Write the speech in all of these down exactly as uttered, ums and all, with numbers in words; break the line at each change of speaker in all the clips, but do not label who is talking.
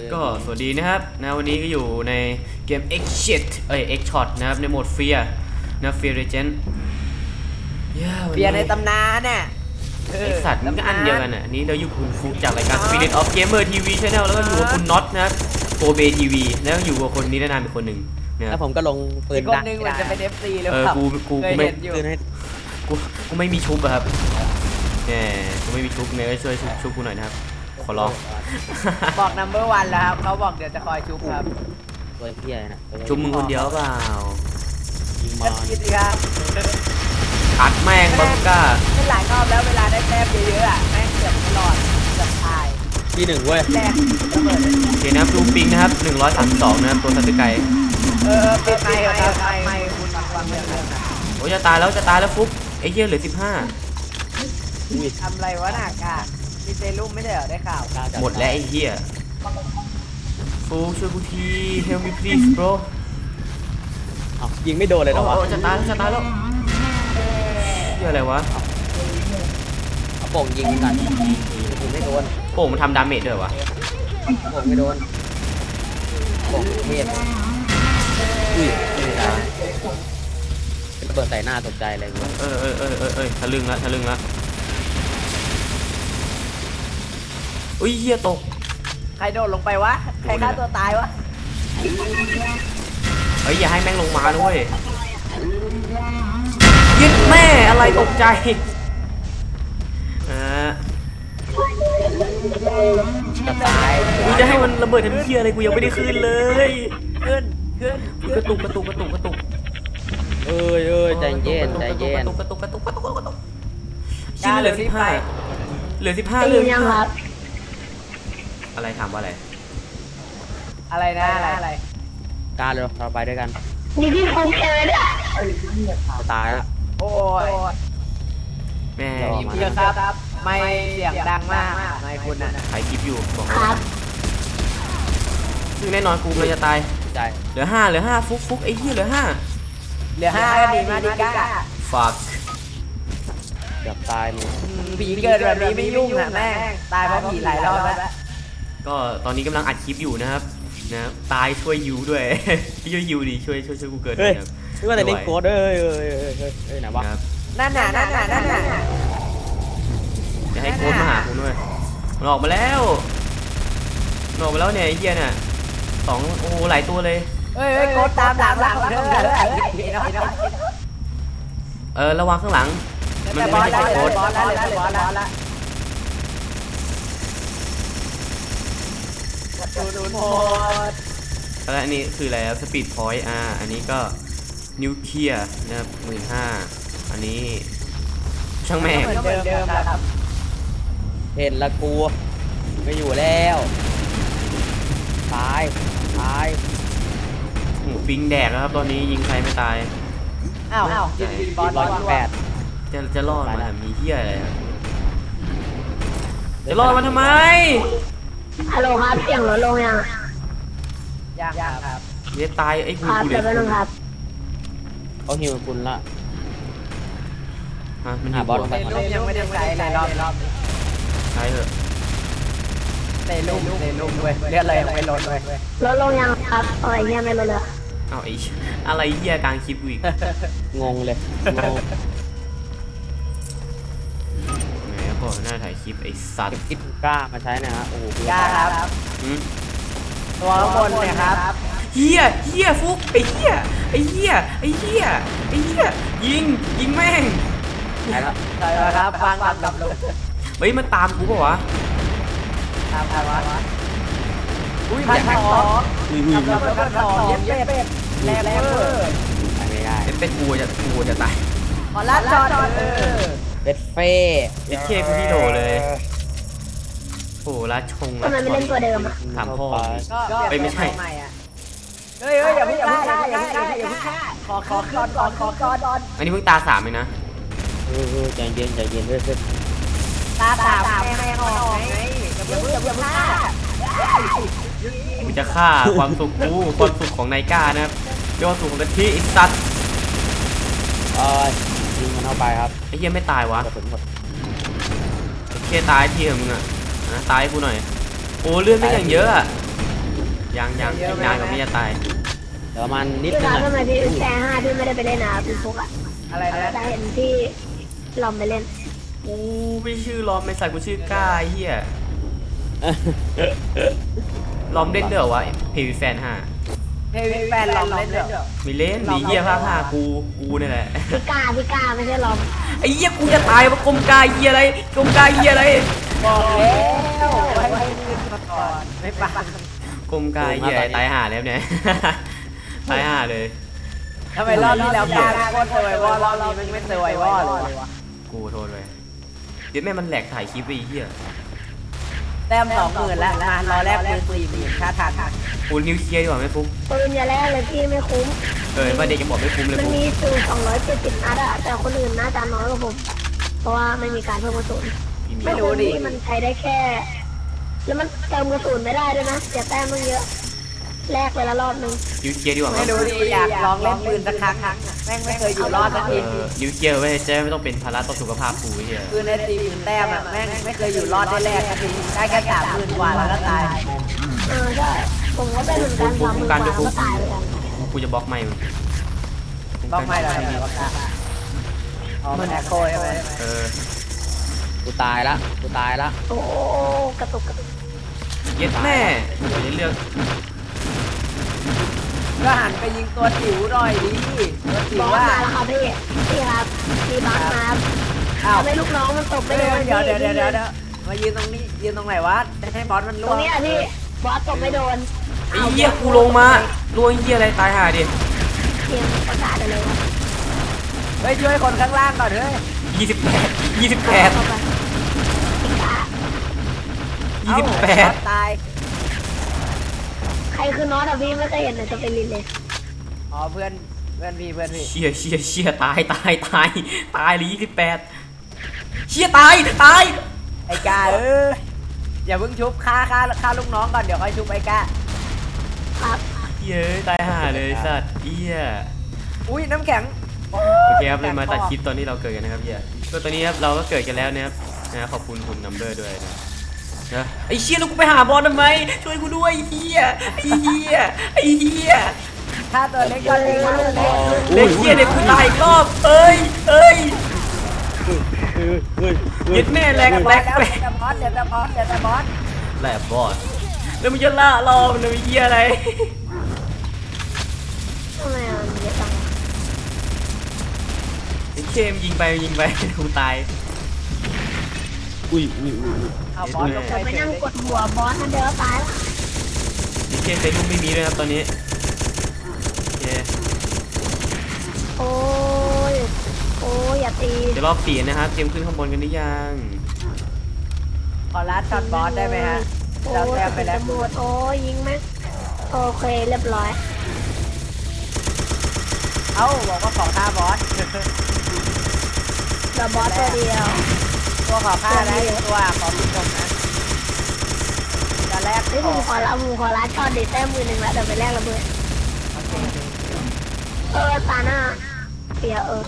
ก็สวัสดีนะครับนะวันนี้ก็อยู่ในเกม X Shot เอ้ย X Shot นะครับในโหมดเฟียนะเฟียเรเจนต์
เฟียในตำนานน่ะ
ไอสัตว์มันก็อันเดียวกันอ่ะนี้เราอยู่คุณฟุกจากรายการ Spirit of Gamer ที วี Channel แล้วก็อยู่กับคุณน็อตนะครับโกเบทีวีแล้วอยู่กับคนนี้นานๆเป็นคนหนึ่ง
แล้วผมก็ลงปืน
ดังคนนึงมันจะเป็น เอฟ ซี หรือเปล่า
กูกูกูไม่กูกูไม่มีชุบอะครับเนี่ยกูไม่มีชุบเนี่ยช่วยชุบชุบกูหน่อยนะครับขอร้อง
บอก นัมเบอร์วัน แล้วครับเขาบอกเดี๋ยวจะคอยชุบครับ
ตัวเพี้ยนะ
ชุบมึงคนเดียวเปล่า
ยิงมันคิดสิครับ
อัดแม่งบังก้า
ไม่หลายรอบแล้วเวลาได้แต้มเยอะๆอ่ะแม่งเกือบตลอดเกือบตาย
ที่หนึ่งเว้ย
แรกระเบิด
โอเคนะครับดูปิงนะครับหนึ่งร้อยสามสิบสองนะครับตัวสัตว์ไก่
เออปิดไมค์ครับไมค์คุณฟังฟังเรื่องนะ
โอ้จะตายแล้วจะตายแล้วฟุ๊บไอ้เหี้ยเหลือสิบห้า
ทำไรวะหนักอ่ะมีเซรุ่มไม่ได้เหรอได้ข่าว
หมดแล้วไอ้เหี้ยฟุ๊บช่วยกูที help me please bro
ยิงไม่โดนเลยเหรอวะ
จะตายแล้วจะตายแล้วเหี้ยอะไรวะ
เอาโป่งยิงกันยิงไม่โดน
โป่งมันทำดาเมจด้วยวะ
โป่งไม่โดนโป่งเทพอุ้ยไม่ได้เป็นเปิดใส่หน้าตกใจอะไรเงี้ย
เออเออเออเออเออทะลึ่งละทะลึ่งละอุ้ยเหี้ยตก
ใครโดดลงไปวะใครฆ่าตัวตายวะ
เฮ้ยอย่าให้แม่งลงมาด้วยยึดแม่อะไรตกใจอ่า
จะตาย
กูจะให้มันระเบิดทันทีอะไรกูยังไม่ได้ขึ้นเลย
ขึ้นขึ้น
กระตุกกระตุกกระตุกกระตุก
เอ้ยเอ้ยใจเย็นใจเย็น
กระตุกกระตุกกระตุกกระตุกกระตุกชิ้นเหลือสิบห้าเหลือสิบห้าเลย
ยังครับ
อะไรถามว่าอะไร
อะไรนะอะไร
การเลยเราไปด้วยกัน
นี่พี่ฟุ๊กเจอเนี่ย
จะตายแล้ว
โอ้ย
แม่
พี่ครับไม่เสียงดังมากไม่คุณน่ะ
ถ่ายคลิปอยู่บอก
ครับ
ซึ่งแน่นอนกูเลยจะตาย
ใจ
เหลือห้าเหลือห้าฟุกฟุกไอ้เหี้ยเหลือห้า
เหลือห้าก็ดีมากดิก้า
ฝาก
เกือบตายมึง
ผีเกิดแบบนี้ไม่ยุ่งนะแม่ตายเพราะผีหลายรอบแล้ว
ก็ตอนนี้กำลังอัดคลิปอยู่นะครับนะตายช่วยยูด้วยช่วยยูดิช่วยช่วยช่วยกูเกิดนะครับ
ช่วยแต่เล่นโค้ดเอ้ยเอ้ยเอ้ยเอ้ยเอ้ยไหนวะ
นั่นน่ะนั่นน่ะนั่นน่ะ
จะให้โค้ดมาหาคุณด้วยมันออกมาแล้วมันออกมาแล้วเนี่ยไอ้เหี้ยน่ะสองโอ้หลายตัวเลย
เฮ้ยโค้ดตามหลังหลังเด้อ
เออระวังข้างหลังมันไม่ใช่โค้ด
ดูโหด
แล้วอันนี้คืออะไรสปีดพอยต์อ่าอันนี้ก็นิวเคลียร์นะครับหมื่นห้าอันนี้ช่างแม่ง
เห็นละกูไม่อยู่แล้วตายตาย
หมูปิงแดกครับตอนนี้ยิงใครไม่ตาย
อ้าวบอลร้อยแปด
จะจะรอดมามีเหี้ยอะไรจะรอดมาทำไม
ฮัลโหลครับเสียงลดลงยัง
ยังยังครับ
เดี๋ยวตายไอ้คุณกู
เลยครับ
เขาหิวคุณละ
ฮะมัน
หาบอล
ไปลูกยังไม่ได้ใช้เลยรอบรอบ
ใช้เถอะ
เตะลูกเตะลูกด้วยเรียกอะไรยังไม่ลดเลย
ลดลงยังครับอะไรเงี้ยไม่ลดเลย
เอาไอ้อะไรเหี้ยกลางคลิปอีก
งงเลยงง
ก็น่าถ่ายคลิปไอ้สัตว์
คิดกล้ามาใช้นะฮะโอ้โห
กล้าครับตัวข้างบนเนี่ยครับ
เฮียเฮียฟุกไอ้เฮียไอ้เฮียไอ้เฮียไอ้เฮียยิงยิงแม่ง
ใช่แล้ว
ใช่แล้วครับฟังกับกับลูก
เฮ้ยมันตามกูป่ะวะ
ตามใครวะอุ้ยพันทองอุ้ยอุ้ยพันทองเย็บเป็ดแรงเวอร์
ไม่ได้
เป็นกูจะกูจะตาย
ขอรับจอดเออ
เป็ดเฟ่
เอ็กเคกูที่โดเลยโอ้รัดชง
ทำไมไม่เล่นตัวเดิมอ่ะ
ถามพ่อ
ไป
ไม่ใช่
เฮ้ยอย่าเพิ่งฆ่าอย่าเพิ่งฆ่าอย่าเพิ่งฆ่าขอขอก่อนก่อนขอก่อน
อันนี้เพิ่งตาสามเลยนะ
เออใจเย็นใจเย็นเรื่อย
ๆตาสามแม่แม่ออกไงอย่าเพิ่งอย่าเพิ่งฆ่า
กูจะฆ่าความสุขกูความสุขของนายก้านะครับยอดสุขของกะทิไอ้สัตว์
เออยิงมันเข้าไปครับ
ไอ้เหี้ยไม่ตายวะไอ้เหี้ยตายที่เหรอมึงอ่ะนะตายกูหน่อยโอ้เลือดไม่อย่างเยอะอ่ะยังยังอีกนานกว่าพี่จะตาย
เดี๋ยวประมาณนิด
พี่
นึ
ค
ง
รับ
อะ
ทำไมพี่แชร์ห้าพี่ไม่ได้ไปเล่นนะพี่ฟุกอะ
อะไรนะ
แต่เห็นพี่ลอมไปเล่น
โอ้ไม่ชื่อลอมไม่ใส่กูชื่อกล้าเฮียลอมเล่นเด้อวะเพย์แฟนห้า
เฮวิแฟนลองเล่นเดี๋ยว
ไม่เล่นดีเฮียภาคห้ากูกูนี่แหละ
พี่กล้าพี่กล้าไม่ใช่ลอม
ไอ้เหี้ยกูจะตายว่ากลมกายเหี้ยอะไรกลมกายเหี้ยอะไร
บอกแล้วให้ให้ยืนมาก่อนไม่ปัง
กลมกายเหี้ยตายห่าแล้วเนี่ย ตายห่าเลย
ทำไมรอบที่แล้วกล้าโคตรเซอร์ไววอลรอบนี้มันไม่เซอร์ไววอลเลยวะ
กูโทษเลยเดี๋ยวแม่มันแหลกถ่ายคลิปไปไอ้เหี้ย
แต้มสองหมื่นแล้วมารอแรกปืนสี่หมื่นค่าทัน
กูนิวเคลียร์ดีกว่าไหมฟุ๊ก
ปืนอย่าแรกเลยพี่ไม่คุ้ม
เออว่าเด็กจะบอกไม่คุ้มเลย
มัน
ฟุ๊ก
มีสูตรสองร้อยเจ็ดสิบนัดอะแต่คนอื่นน่าจะน้อยกว่าผม เพราะว่าไม่มีการเพิ่มกระสุน
ไม่รู้ดิ
มันใช้ได้แค่ แล้วมันเติมกระสุนไม่ได้ด้วยนะเสียแต้มมันเยอะแลกไปละรอบนึง
นิวเคลียร์ดีกว่าไหม
ไม่รู้ดิอยากลองเล่นปืนสักครั้งแม่งไม่เคยอยู่รอดสัก
เอ
ที
อนิวเคลียร์ไว้เจ๊ไม่ต้องเป็นภาระต่อสุขภาพกูไอ้เหี้ย
ปืนในตีหมื่นแต้มอ่ะแม่งไม่เคยอยู่รอดได้แรกสักทีได้แค่สามหมื่นกว่าแล้วก็ตาย
เออใช่ผมก็เป็นเหมือนกันสามหมื่นกว่าก็ตายเหมือนกัน
กูจะบล็อกไม่มึง
ต้องไม่หรอกทำไมวะค่ะอ๋อมันแอคโคใช่ไหม
เออ
กูตายละกูตายละ
โอ้โหกระตุกกระตุก
เย็ดแม่เดี๋ยวจะเลือก
ก็หันไปยิงตัวจิ๋วหน่อยดิตัวจิ๋
บ
ว
อส
ว่า
มาแล้วครับพี่พี่ครับมีบัฟมาครับ
อ้าว
ทำให้ลูกน้องมันตกไม่
เดี๋
โด
ยวน เดี๋ยวเดี๋ยวเดี๋ยวเดี๋ยวเดี๋ยวมายืนตรงนี้ยืนตรงไหนวะให้บอสมัน
ต
ล่
ร
ว
ง
ง
นี้อะพี่บอสตกไม่โดน
ไอ้เหี้ยกูลงมาลวงเหี้ยอะไรตายห่าดิ
เตรียมประกาศได้เลยว่า
เฮ้ยช่วยคนข้างล่างก่อนเฮ้ย
ยี่สิบแปดยี่สิบแปด
เข้าไปพี่กา
ยี่สิบแปด
ตาย
ใครคือน็อตอะพี่ไม่เคยเห็นในสเปรินเลย
อ๋อเพื่อนเพื่อนพี่เพื่อนพี่
เชี่ยเชี่ยเชี่ยตายตายตายตายเลยยี่สิบแปดเชี่ยตายตาย
ไอ้กาเอออย่าเพิ่งชุบฆ่าฆ่าฆ่าลูกน้องก่อนเดี๋ยวค่อยชุบไอ้กา
ครับ
เย้ยตายห่าเลยสัตว์เอี้ย
อุ้ยน้ำแข็ง
โอเคครับเลยมาตัดคลิปตอนที่เราเกิดกันนะครับเฮียก็ตอนนี้ครับเราก็เกิดกันแล้วนะครับนะขอบคุณคุณนัมเบอร์ด้วยนะนะไอ้เชี่ยแล้วกูไปหาบอลทำไมช่วยกูด้วยไอ้เฮียไอ้เฮียไอ้เฮีย
ฆ่าตัวเล็กก่อนเล็กก่อนเล็ก
เล็กเฮียเด็กกูตายอีกรอบเอ้ยเอ้ยยึดแม่แหลกแหลก
แล้ว
แหลก
เดี๋ยวแต่บอสเดี๋ยวแต่บอสเดี๋ยวแต่บอส
แหลกบอสแล้วมึงจะล่าเรามันจะมีเฮียอะไร
ทำไมอะมันเยอะจัง
ไอ้เคมยิงไปยิงไปกูตาย
อุ้ยอุ้ยอุ้ย
เอาบอสลงไป
เดี๋ยวไป
เฉ
นั่ง
ย
กดหัวบอสนั่นเดี๋ยวตายละ
ไอ้เคมเซรุ่มไม่มีด้วยครับตอนนี้โอเค
โอ้ยโอ้ยอย่าตี
เดี๋ยวรอบปีนะครับเตรียมขึ้นข้างบนกันหรือยัง
ขอลัดช็อตบอสได้ไหมฮะ
โอ้
เรา
ย
แต้มไปแล้ว
ตำรวจโอ้ยยิงไหมโอเคเรียบร้อย
เอ้าบอกว่าขอฆ่าบอส
เดี๋ยวบอสตัวเดียว
ตัวขอฆ่าได้ตัวขอผู้ชมนะจะแรก
เฮ้ย
ข
มึ
อง
ขอละมึงขอละช็อตเด็ดแต้มมือหนึ่งแล้วเดี๋ยวไปแลกระเบิดเออตาหน้าเปียเออ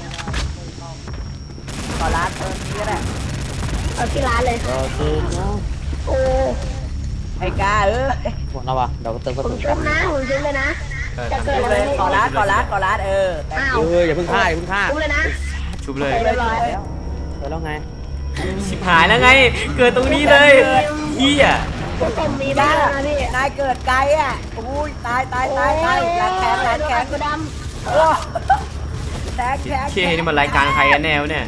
ขอลัดเออนี้ก็ได้
เอาที่ร้านเลย
โอเคเนาะ
โอ้
ไอ้กาเออ
หมดแล้ววะเดี๋ยวก็เติมกระ
ผม
สุน
ชุบนะผมชุบเลยนะ
เออ
จะ
ทำ
เกิด
ชุบ
อะไร
เลย
ขึ้น
ขอลัดขอลัดขอลัดเออแต่
อ้าว
เอออย่าเพิ่งฆ่าอย่าเพิ่งฆ่า
ชุบเลยนะ
ชุบเลย
เรียบร้อย
เดี๋ยวแล้วไง
ชิบหายแล้วไง เกิดตรงนี้เลยเฮีย
ผมผมมีบ้านแล้วนะพี่
นายเกิดไกลอ่ะอุ้ยตายตายตายตายหลังแขนหลังแขน
กระด
โอ้แทกแทก
เชี่ยนี่มันรายการใครกันแนวเนี่ย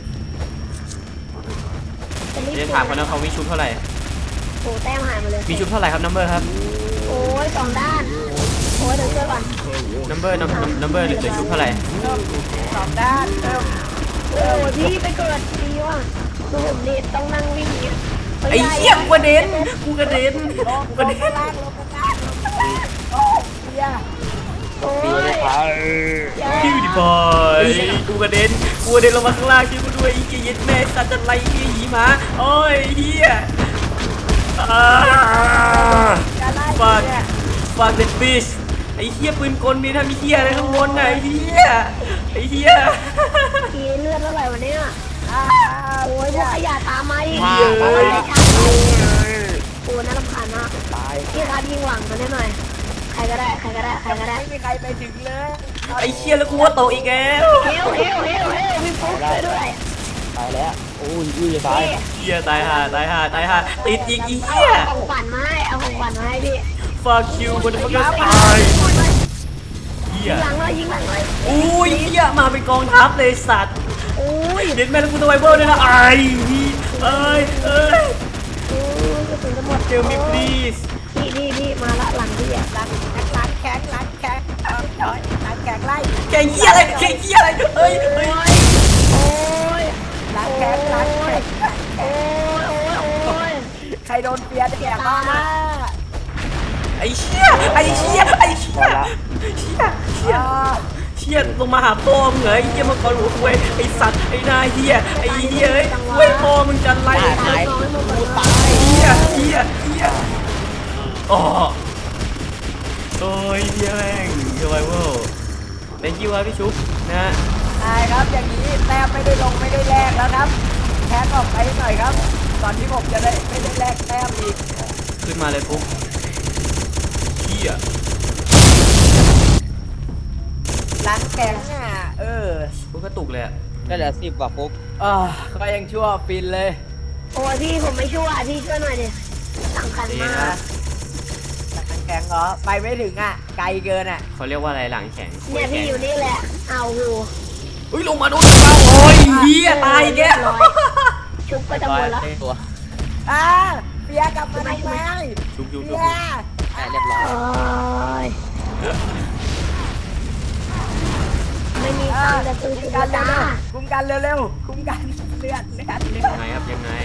ำจะรีบ
เดี๋ยวถามกันนะเขามีชุบเท่าไหร่
โอ้แต้มหายหมดเลย
มีชุบเท่าไหร่ครับนัมเบอร์ครับ
โอ้ยสองด้านโอ้ยเดี๋ยวช่วยก่อน
นัมเบอร์นัมเบอร์เหลือชุบเท่าไหร่
สองด้านเริ่ม
โอ้ยพี่ไปเกิดดีว่ะดูผมนี่ต้องนั่งวิ่งอย่างเงี้ย
ไอ้เหี้ยกูกระเด็นกูกระเด็น
ลง
กู
ล
กระ
ง
เด็น
ข้างล่างลงข้างล่างลงข้างล่างโอ้เฮีย
โอ้
ตี
ย
เลยครับ
คิวดิบอยกูกระเด็นกูกระเด็นลงมาข้างล่างช่วยกูด้วยไอ้เหี้ยเย็ดแม่สัตว์จะไล่ไอ้หีหมาโอ้ยเหี้ยอ่า
การไล่
ฝาก
เนี่ย
ฝากเด็ดฟิชไอ้เหี้ยปืนกลมีถ้ามีเหี้ยอะไรข้างบนน่ะไอ้เหี้ยไอ้เหี้ย
ทีเลือดเท่าไหร่วะเนี่ย
อ้า
โอ้ยพวกขยะตามมาอีก
มา
โอ้
มาย
ไม่ทันโอ้ยน่ารำคาญมาก
ตาย
พี่ครับยิงหวังกันได้หน่อยใครก็ได้ใครก็ได้ใครก็ได้
ไม่มีใครไปถึงเลย
ไอ้เชี่ยแล้วกูว่าโตอีกแล้ว
เฮลเฮลเฮลเฮลพี่ฟุ๊กช่วยด้วย
ตายแล้วโอ้ยอุ้ยจะตาย
พี่
เฮียตายห่าตายห่าตายห่าติดอีกอี
เอา
เฮีย
ของขวัญมาให้เอาของขวัญมาให้พี่
fuck you บนมันก็ตายเฮี
ยิ
ย
งหลังเลยยิงหลังเลย
อุ้ยเฮียมาเป็นกองทัพเลยสัตว์
อุ้ย
เด็ดแม่แล้วกูตัวไวเบิลด้วยนะไอ้เอ้ยเอ้ย
อุ้ยกระสุนจะหมด
เจอมิ please
พี่พี่พี่มาละหลังพี่อ่ะ
ล้างล้างแข็งล้างแข็งล้างแข็งไล่
แกเฮียอะไรแกเฮียอะไรเอ้ยเอ้ย
โอ้ย
ล้างแข็งล้างแข็ง
โอ้ยโอ้ยโอ้ย
ใครโดนเปียแจกบ้างนะ
ไอ้เชี่ยไอ้เชี่ยไอ้เชี่ยเชี่ยเชี่ยเชี่ยลงมาหาพ่อมึงเหรอไอ้เฮียมังกรหัวคุยไอ้สัตว์ไอ้นายเฮียไอ้เฮียเอ้ยเว้ยพ่อมึงจะไล่
ตาย
น้อยหมดเลย
ตาย
เฮียเฮียเฮียอ๋อโอ้ยเฮียแม่งเฮียไวเวิลเป็นคิวครับพี่ชุบนะฮะ
ใช่ครับอย่างนี้แต้มไม่ได้ลงไม่ได้แลกแล้วครับแท็กออกไปหน่อยครับก่อนที่ผมจะได้ไม่ได้แลกแต้มอีก
ขึ้นมาเลยปุ๊บเฮีย
ล้างแข็งอ่ะเออ
ปุ๊บกระตุกเลยอะ
ได้เหลือสิบกว่าปุ๊บ
เออก็ยังชั่วฟินเลย
โอ้ยพี่ผมไม่ช่วยพี่ช่วยหน่อยดิสำคัญ
นี่
มา
นะ
ก
ล้างแข็งเหรอไปไม่ถึงอ่ะไกลเกินอ่ะ
เขาเรียกว่าอะไรหลังแข็งคุ
เนี่ย ย
แข็
พี่
ง
อยู่นี่แหละเอาอยู่
อุ้ยลงมาโดนเราโอ้ยเฮียตายอีกแก
ร้อยชุบก็จะหมดแล้ว
ตัว
อ่าเปียกลับมาทำไม
ชุบชุบชุ
เปี
บ
ย
ได้เรียบร้อย
โอ้ยไม่มี
อ่า
ตังค์จะซื้อ
คุ
ชุ
ม
ด
กัน
จ้า
เร็วๆคุมกันเร็วๆคุมกันเลือดเลือดเลือด
ยังไงครับยังไง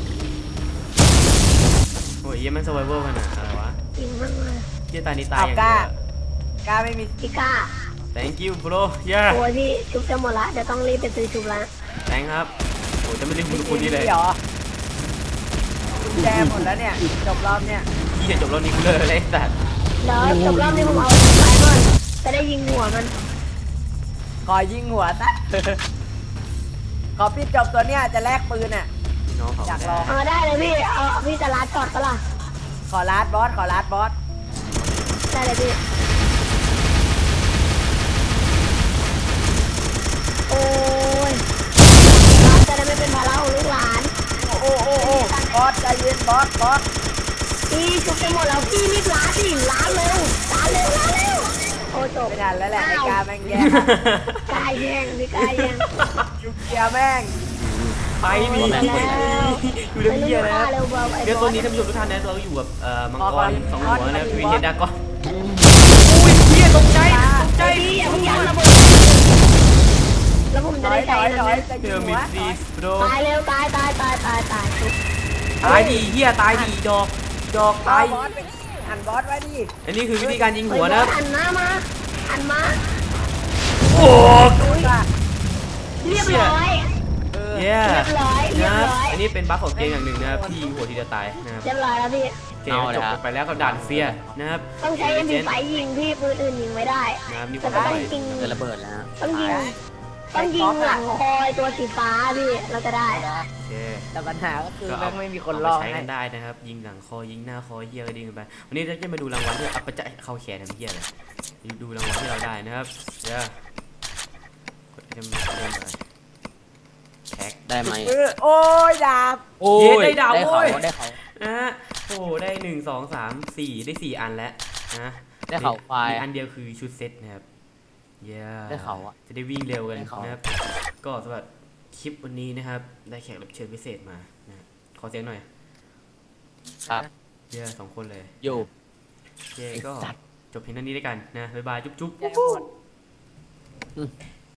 โอ้ยเฮียมัน survival ขนาดอะไรวะ
จริงมากเลย
เฮียตายนี่ตาย
เอา
อย่าง
ก
เดี
ล้า
ยว
กล้าไม่มี
พี่ก้า
thank you bro yeah
โอ้ยพี่ชุบจะหมดละเดี๋ยวต้องรีบไปซื้อชุบละ
thank ครับโอ้ยจะไม่ได้คุณคุณนี่เลย
หรอกุญแจหมดแล้วเนี่ยจบรอบเนี่ย
เฮียจบแล้วนี่กูเลยอะไรสัตว์
เดี๋ยวจบรอบนี้ผมเอาไปก่อนจะได้ยิงหัวมัน
ขอยิงหัวซะ ขอพี่จบตัวเนี้ยจะแลกปืนอ่ะ
พี่น้องเขา
อยากลอง
เออได้เลยพี่เอาพี่จะรัดจอดปะล่ะ
ขอลาดบอส ขอลาดบอส
ได้เลยพี่โอ้ยรัดจะได้ไม่เป็นภาระของลูกหลาน
โอ้โอ้โอ้โอ้บอสใจเย็นบอส บอส
พี่ชุบจะหมดแล้วพี่รีบล้างสิล้างเร็วล้างเร็วล้างเร็วโอ้จบ
ไม่ทันแล้วแหละไอ้กาแม่งแย่ง
กายแย่งพี่กายแย่ง
ยุกเกียร์แม่ง
ไปนี่อยู่เรื่องเฮียนะ
เร็วเบาไอ้
เดี๋ยว
บ
ตั
อ
ว
ส
นี้ท่านผู้ชมทุกท่านนะเราอยู่กับเอ่อมังก
บอ
ร
ส
สอง
บ
หั
อ
ว
ส
นะ
บอส
วีเฮดดากอนอุ้ยเฮียตกใจตกใจ
ไอ้พี่อย่าเพิ่งยันระเบิดแล้วผมจะ
ถอ
ได้
ยถ
ใช้
อยถ
นะ
อยจะ
เจ
ยิ
อง มิ
หัว
ดซีสโปร
ตายเร็วตายตายตายตายตายชุบ
ตายดีเฮียตายดีดอกดอก
ตา
ตาย ย
บอสไปดิหันบอสไว้ดิ
อันนี้คือวิธีการยิง
เฮ้
หั
ยว
นะ
หันหน้ามาหันมา
โอ้
จ้ะ
เรียบร้อย
เออ
เย้
เรียบร้อยเรีย
นะ
บร้อย
อันนี้เป็นบั๊กของเกมอย่างหนึ่งนะครับที่ยิงหัวทีเดียวตายนะครับ
เรียบร้อยแล้วพี่
เกมจบไปแล้วกับด่านเฟียนะครับ
ต้องใช้ เอ็ม พี ไฟว์ยิงพี่ปืนอื่นยิงไม่ได้
นะครับนี่ค
แต่
น
ก็
ไป
ต้องยิง
เกิดระเบิดแล้ว
ต้องยิงต้องยิงหลังคอยตัวสีฟ้าพี่เราจะได้
โอเค
แต่ปัญหาก็คือ
ก็
แม่
เอา
งไม่มีคน
เอา
ร
ไป
อ
ใช้
ให้
กันได้นะครับ ยิงหลังคอยิงหน้าคอเฮียก็ดีกันไปวันนี้เราจะมาดูรางวัลที่เอาไปจะเข้าแขนทำเฮียเลยดูรางวัลที่เราได้นะครับเดี๋ยวกดเริ่มเริ่มไปแท็ก
ได้ไหม
เออโอ้ยดาบ
โอ้ย
ได้ดาว
ได้เขา
โอ้ย
ได้เขา
นะฮะโอ้ได้หนึ่งสองสามสี่ได้สี่อันแล้วนะ
ได้เขาควาย
มีอันเดียวคือชุดเซ็ตนะครับเย้
ได้เขาอะ
จะได้วิ่งเร็วกัน
ได้เขา
นะครับก็สำหรับคลิปวันนี้นะครับได้แขกรับเชิญพิเศษมานะขอเสียงหน่อย
ครับ
เย้สองคนเลย
อยู่
โอเคก็จบเพียงเท่านี้ด้วยกันนะบ๊ายบายจุ๊บจุ๊บ
แย่หมด